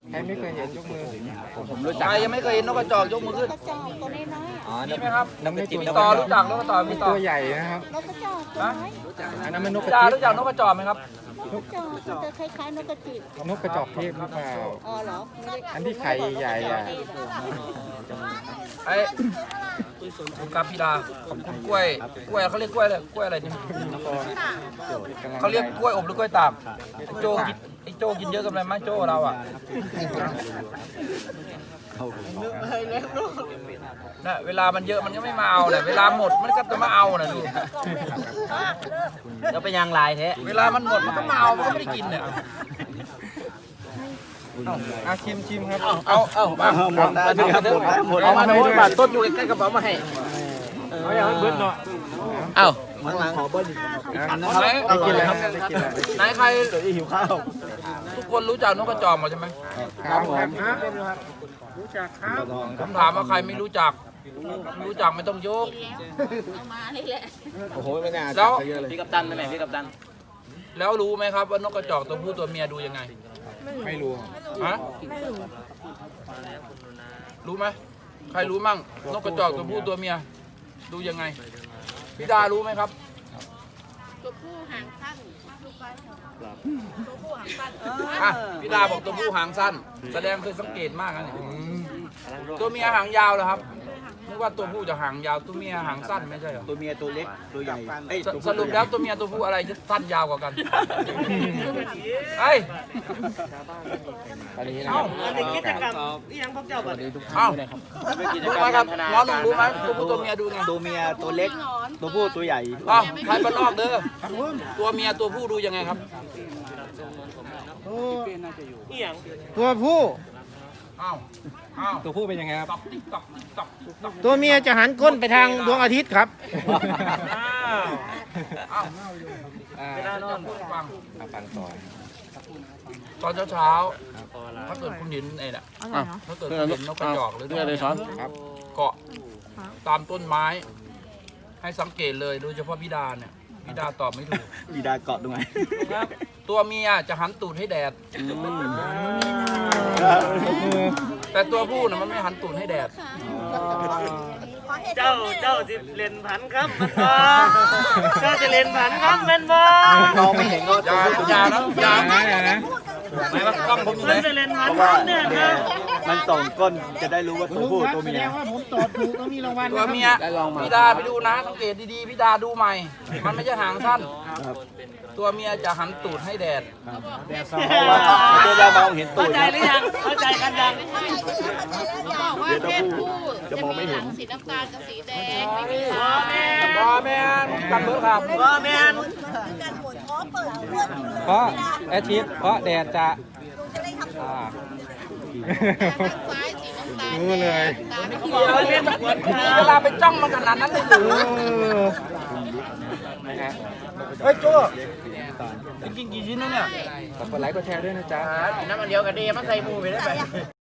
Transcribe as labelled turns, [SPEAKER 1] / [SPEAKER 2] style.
[SPEAKER 1] ใครไม่เคยเห็นยกมือ
[SPEAKER 2] ผมรู้จักใครยังไม่เคยเห็นนกกระจอกยกมือขึ้น
[SPEAKER 3] กระจอกตัวน้อย
[SPEAKER 2] อ๋อมีไหมครับ
[SPEAKER 1] นกกระจิบ
[SPEAKER 2] มีต่อรู้จักนกกระต่อมีต่อ
[SPEAKER 1] ตัวใหญ่นะครับ
[SPEAKER 3] ๆนกกระจอกตัวน้อย
[SPEAKER 1] อันนั้นมันนกกระ
[SPEAKER 2] ดา
[SPEAKER 1] จิบ
[SPEAKER 2] รู้จักนกกระจอกไหมครับ
[SPEAKER 3] นกกระจอกมันจะคล้ายๆนกกระจิบ
[SPEAKER 1] นกกระจอกเทพหรือเปล่า
[SPEAKER 3] อ๋อเหรอ
[SPEAKER 1] อันที่ไข่ใหญ่ๆอ่ะ
[SPEAKER 2] ไอ้คุณครับพี่ดาขอบคุณกล้วยเขาเรียกกล้วยอะไรกล้วยอะไรเนี่ยเขาเรียกกล้วยอบหรือกล้วยตากไอ้โจกินเยอะกันไหมไหมโจเราอ่ะน่ะเวลามันเยอะมันก็ไม่มาเอาเนี่ยเวลาหมดมันก็จะมาเอาน่ะดูแล้วเป็นยังลายแท้เวลามันหมดมันก็มาเอามันก็ไม่ได้กินเนี่ย
[SPEAKER 1] เอาชิมครับ
[SPEAKER 2] เอามาหมดเอามาโน้ตบาทต้นอยู่ใกล้กระเป๋ามาให้เอาอย่างนั้นเบิ้ลเนาะเอาขอเบิ้ล
[SPEAKER 1] ได้กินแล้วได้กินแล้ว
[SPEAKER 2] ไหนใครหิวข้าวทุกคนรู้จักนกกระจอกหมดใช่ไหม
[SPEAKER 1] ครับผม
[SPEAKER 2] ผมถามว่าใครไม่รู้จักไม่ต้องยก
[SPEAKER 3] เอามานี่แหละ
[SPEAKER 2] โอ้โหไม่น่าแล้วพี่กัปตันไหมพี่กัปตันแล้วรู้ไหมครับว่านกกระจอกตัวผู้ตัวเมียดูยังไง
[SPEAKER 1] ไม่รู้
[SPEAKER 2] ฮะรู้ไหมใครรู้มั่งนกกระจอกตัวผู้ตัวเมียดูยังไงพี่ดารู้ไหมครับ
[SPEAKER 3] ตัวผู้หางสั้นตัวผู้หางสั้น
[SPEAKER 2] อ่ะพี่ดาบอกตัวผู้หางสั้น แสดงเคยสังเกตมากนะเนี่ยตัวเมียหางยาวเหรอครับนึกว่าตัวผู้จะหางยาวตัวเมียหางสั้นไม่ใช่เหรอ
[SPEAKER 4] ตัวเมียตัวเล็กตัวใหญ่
[SPEAKER 2] สรุปแล้วตัวเมียตัวผู้อะไรจะสั้นยาวกว่ากันเฮ้ย
[SPEAKER 1] ตอนนี้นะครับ
[SPEAKER 5] กิจกรรมนี่ยังพวกเจ้าบ่ได้
[SPEAKER 2] เอ้ารู้ไหมครับน้องหนุ่มรู้ไหมตัวผู้ตัวเมียดูไง
[SPEAKER 4] ตัวเมียตัวเล็กตัวผู้ตัวใหญ่
[SPEAKER 2] อ้าวใครบ้านนอกเด้อตัวเมียตัวผู้ดูยังไงครับ
[SPEAKER 5] นี่ยัง
[SPEAKER 1] ตัวผู้
[SPEAKER 2] อ้าวอ้าว
[SPEAKER 1] ตัวผู้เป็นยังไงครับ
[SPEAKER 2] ตอกติ๊กตอกติ๊กตอกติ๊กตอก
[SPEAKER 1] ตัวเมียจะหันก้นไปทางดวงอาทิตย์ครับ
[SPEAKER 2] อ้าว
[SPEAKER 1] อ่า
[SPEAKER 2] ไม่ได้นอนฟัง
[SPEAKER 1] ฟังต่อ
[SPEAKER 2] ตอนเช้าๆถ้าเกิดคุณเห็นไอ้น่ะถ้าเกิดคุณเห็นนกกระจอกหรือนกกระจอกเกาะตามต้นไม้ ให้สังเกตเลยโดยเฉพาะพี่ดาเนี่ยพี่ดาตอบไม่ถูก
[SPEAKER 4] บีดาเกาะตรงไหน
[SPEAKER 2] ตัวเมียจะหันตูดให้แดด แต่ตัวผู้น่ะมันไม่หันตูดให้แดด
[SPEAKER 5] เจ้าสิเล่นผันครับมันบ่เจ้าจะเล่นผันครับมันบ่
[SPEAKER 4] มองไม่เห็นก็
[SPEAKER 2] อย่านะอย่านะไหนว่ากล้องผมอยู่ไห
[SPEAKER 5] มัน นจะเล่นผันครับเนี่ยนะ
[SPEAKER 4] มันส่องก้นจะได้รู้ว่าตัวผู้ตัวเมีย
[SPEAKER 2] ตัวเมียพี่ดาไปดูนะสังเกตดีๆพี่ดาดูใหม่ มันไม่ใช่หางสั้น ตัวเมียจะหันตูดให้แดด
[SPEAKER 4] เพราะว่ามันจะมองเห็นตัว
[SPEAKER 5] เข้าใจหรือยังเข้าใจกันยัง
[SPEAKER 3] บอกว่าเพศผู้จะมีหางสีน้ำตาลกับสีแดงไม่มี
[SPEAKER 5] บ่
[SPEAKER 3] หาง
[SPEAKER 5] แม่
[SPEAKER 2] บอแมนกันเบิร์ครับ
[SPEAKER 5] บ่แม่น
[SPEAKER 1] เพราะอาทิตย์เพราะแดดจะอ่า
[SPEAKER 3] ซ้ายสีน้ำตาล
[SPEAKER 1] รู้เลย
[SPEAKER 3] ตาไม่
[SPEAKER 2] เวลาไปจ้องมันขนาดนั้นเลยหรือ
[SPEAKER 1] นะฮะ
[SPEAKER 2] เฮ้ยโจ้กินกี่ชิ้นนะเนี่ย
[SPEAKER 1] ฝากกดไลค์กดแชร์ด้วยนะจ๊ะ
[SPEAKER 2] น้ำมันเดียวกันดีมันใส่หมูไปได้ไหม